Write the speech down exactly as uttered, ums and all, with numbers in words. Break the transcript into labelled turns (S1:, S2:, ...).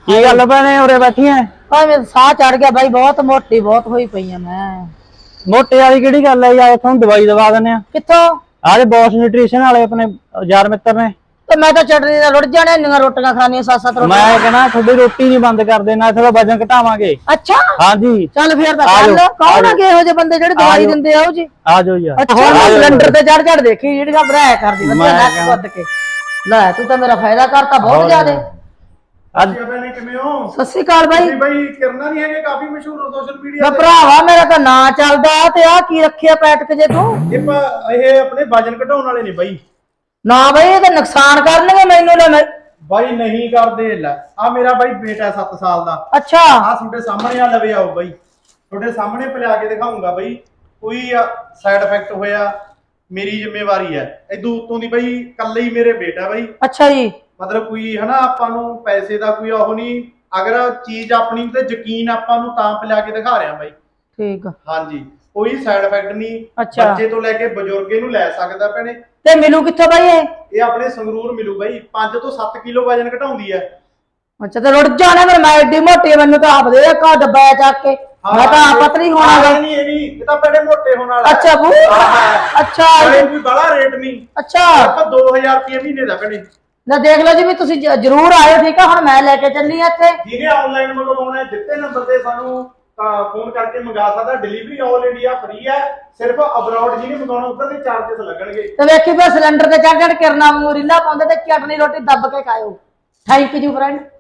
S1: ਕੀ ਗੱਲ ਭੈਣੇ ਉਰੇ ਬੈਠੀ ਐ?
S2: ਭਾਈ ਮੇਰਾ ਸਾਹ ਚੜ ਗਿਆ ਬਾਈ, ਬਹੁਤ ਮੋਟੀ ਬਹੁਤ ਹੋਈ ਪਈ ਆ ਮੈਂ।
S1: ਮੋਟੇ ਵਾਲੀ ਕਿਹੜੀ ਗੱਲ ਐ ਯਾਰ, ਤੁਹਾਨੂੰ ਦਵਾਈ ਦਵਾ ਦਿੰਨੇ ਆ।
S2: ਕਿੱਥੋਂ?
S1: ਆਹ ਬੌਸ ਨਿਊਟ੍ਰੀਸ਼ਨ ਵਾਲੇ ਆਪਣੇ ਯਾਰ ਮਿੱਤਰ ਨੇ।
S2: ਤੇ ਮੈਂ ਤਾਂ ਚਟਨੀ ਨਾਲ ਰੁੜ ਜਾਣਾ, ਇੰਨੀਆਂ ਰੋਟੀਆਂ ਖਾਣੀਆਂ, ਸੱਤ ਸੱਤ ਰੋਟੀਆਂ।
S1: ਮੈਂ ਕਹਿੰਦਾ ਤੁਹਾਡੀ ਰੋਟੀ ਨਹੀਂ ਬੰਦ ਕਰਦੇ, ਨਾ ਥੋੜਾ ਵਜਨ ਘਟਾਵਾਂਗੇ।
S2: ਅੱਛਾ
S1: ਹਾਂਜੀ
S2: ਚੱਲ ਫੇਰ ਤਾਂ ਚੱਲ। ਕੌਣ ਆ ਗਏ ਇਹੋ ਜਿਹੇ ਬੰਦੇ ਜਿਹੜੇ ਦਵਾਈ ਦਿੰਦੇ ਆ ਉਹ ਜੀ?
S1: ਆ ਜਾਓ ਯਾਰ।
S2: ਅੱਛਾ ਸਿਲੰਡਰ ਤੇ ਚੜ ਚੜ ਦੇਖੀ ਜਿਹੜੀ ਘਬਰਾਇਆ ਕਰਦੀ ਬੰਦਾ ਨੱਕ ਵੱਧ ਕੇ। ਲੈ ਤੂੰ ਤਾਂ ਮੇਰਾ ਫਾਇਦਾ ਕਰਤਾ ਬਹੁਤ ਜ਼ਿਆਦੇ।
S1: ਅੱਜ
S3: ਭੈਣੇ ਕਿਵੇਂ ਹੋ?
S2: ਸਤਿ ਸ਼੍ਰੀ ਅਕਾਲ ਬਾਈ।
S3: ਤੁਸੀਂ ਬਾਈ ਕਿਰਨਾ ਨਹੀਂ ਹੈਗੇ, ਕਾਫੀ ਮਸ਼ਹੂਰ ਹੋ ਸੋਸ਼ਲ ਮੀਡੀਆ
S2: ਮੈਂ
S3: ਤੇ।
S2: ਭਰਾਵਾ ਮੇਰਾ ਤਾਂ ਨਾਂ ਚੱਲਦਾ ਤੇ ਆ ਕੀ ਰੱਖਿਆ ਪੈਟਕ ਜੇ ਤੂੰ?
S3: ਇਹ ਪ- ਇਹ ਆਪਣੇ ਵਜਨ ਘਟਾਉਣ ਵਾਲੇ ਨੇ ਬਾਈ।
S2: ਨਾ ਬਾਈ ਇਹ ਤਾਂ ਨੁਕਸਾਨ ਕਰਨਗੇ ਮੈਨੂੰ। ਲੈ ਮੈਂ
S3: ਬਾਈ ਨਹੀਂ ਕਰਦੇ। ਲੈ ਆ ਮੇਰਾ ਬਾਈ ਬੇਟਾ ਸੱਤ ਸਾਲ ਦਾ।
S2: ਅੱਛਾ
S3: ਆ ਤੁਹਾਡੇ ਸਾਹਮਣੇ ਆ ਲਵੇ ਆਓ ਬਾਈ, ਤੁਹਾਡੇ ਸਾਹਮਣੇ ਪਿਲਾ ਕੇ ਦਿਖਾਉਂਗਾ ਬਾਈ। ਕੋਈ ਸਾਈਡ ਇਫੈਕਟ ਹੋਇਆ ਮੇਰੀ ਜ਼ਿੰਮੇਵਾਰੀ ਹੈ। ਇਦੋਂ ਉੱਤੋਂ ਦੀ ਬਾਈ ਕੱਲੇ ਹੀ ਮੇਰੇ ਬੇਟਾ ਬਾਈ।
S2: ਅੱਛਾ ਜੀ।
S3: ਮਤਲਬ ਕੋਈ ਹਨਾ ਆਪਾਂ ਨੂੰ ਪੈਸੇ ਦਾ ਕੋਈ ਉਹ ਨਹੀਂ, ਅਗਰ ਚੀਜ਼ ਆਪਣੀ ਤੇ ਯਕੀਨ ਆਪਾਂ ਨੂੰ ਤਾਂ ਪਿਲਾ ਕੇ ਦਿਖਾ ਰਿਹਾ ਬਾਈ।
S2: ਠੀਕ ਆ।
S3: ਹਾਂਜੀ ਕੋਈ ਸਾਈਡ ਇਫੈਕਟ ਨਹੀਂ।
S2: ਅੱਛਾ।
S3: ਬੱਚੇ ਤੋਂ ਲੈ ਕੇ ਬਜ਼ੁਰਗੇ ਨੂੰ ਲੈ ਸਕਦਾ ਭੈਣੇ।
S2: ਤੇ ਮਿਲੂ ਕਿੱਥੋਂ ਬਾਈ ਇਹ?
S3: ਇਹ ਆਪਣੇ ਸੰਗਰੂਰ ਮਿਲੂ ਬਾਈ। ਪੰਜ ਤੋਂ ਸੱਤ ਕਿਲੋ ਵਜਨ ਘਟਾਉਂਦੀ ਹੈ।
S2: ਅੱਛਾ ਤੇ ਰੁੜ ਜਾਣਾ ਫਿਰ ਮੈਂ ਏਡੀ ਮੋਟੀ, ਮੈਨੂੰ ਤਾਂ ਆਪ ਦੇ ਕਾ ਡੱਬਾ ਚੱਕ ਕੇ। ਮੈਂ ਤਾਂ ਆਪ ਪਤਲੀ ਹੋਣਾ ਵਾ।
S3: ਨਹੀਂ ਇਹ ਨਹੀਂ, ਇਹ ਤਾਂ ਬੜੇ ਮੋਟੇ ਹੋਣ ਵਾਲਾ।
S2: ਅੱਛਾ ਬੂ ਅੱਛਾ
S3: ਇਹ ਵੀ ਬੜਾ ਰੇਟ ਨਹੀਂ।
S2: ਅੱਛਾ
S3: ਆਪਾਂ ਦੋ ਹਜ਼ਾਰ ਰੁਪਏ ਮਹੀਨੇ ਦਾ ਭੈਣੇ।
S2: ਨਾ ਦੇਖ ਲਓ ਜੀ ਵੀ ਤੁਸੀਂ ਜ- ਜ਼ਰੂਰ ਆਇਓ। ਠੀਕ ਆ ਹੁਣ ਮੈਂ ਲੈ ਕੇ ਚੱਲੀ ਆ ਇੱਥੇ।
S3: ਜਿਹਨੇ ਆਨਲਾਈਨ ਮੰਗਵਾਉਣਾ ਹੈ ਦਿੱਤੇ ਨੰਬਰ ਤੇ ਸਾਨੂੰ ਫੋਨ ਕਰਕੇ ਮੰਗਾ ਸਕਦਾ। ਡਿਲੀਵਰੀ ਆਲ ਇੰਡੀਆ ਫ੍ਰੀ ਹੈ। ਸਿਰਫ ਅਬਰੋਡ ਜਿਹਨੇ ਮੰਗਾਉਣਾ ਉੱਧਰ ਦੇ ਚਾਰजेस ਲੱਗਣਗੇ।
S2: ਤੇ ਵੇਖੀ ਬਸ ਸਿਲੰਡਰ ਤੇ ਚੜ ਚੜ ਕਿਰਨਾ ਵਾਂਗੂ ਰੀਲਾ ਪਾਉਂਦੇ ਤੇ ਚਟਨੀ ਰੋਟੀ ਦੱਬ ਕੇ ਖਾਇਓ। Thank you friend.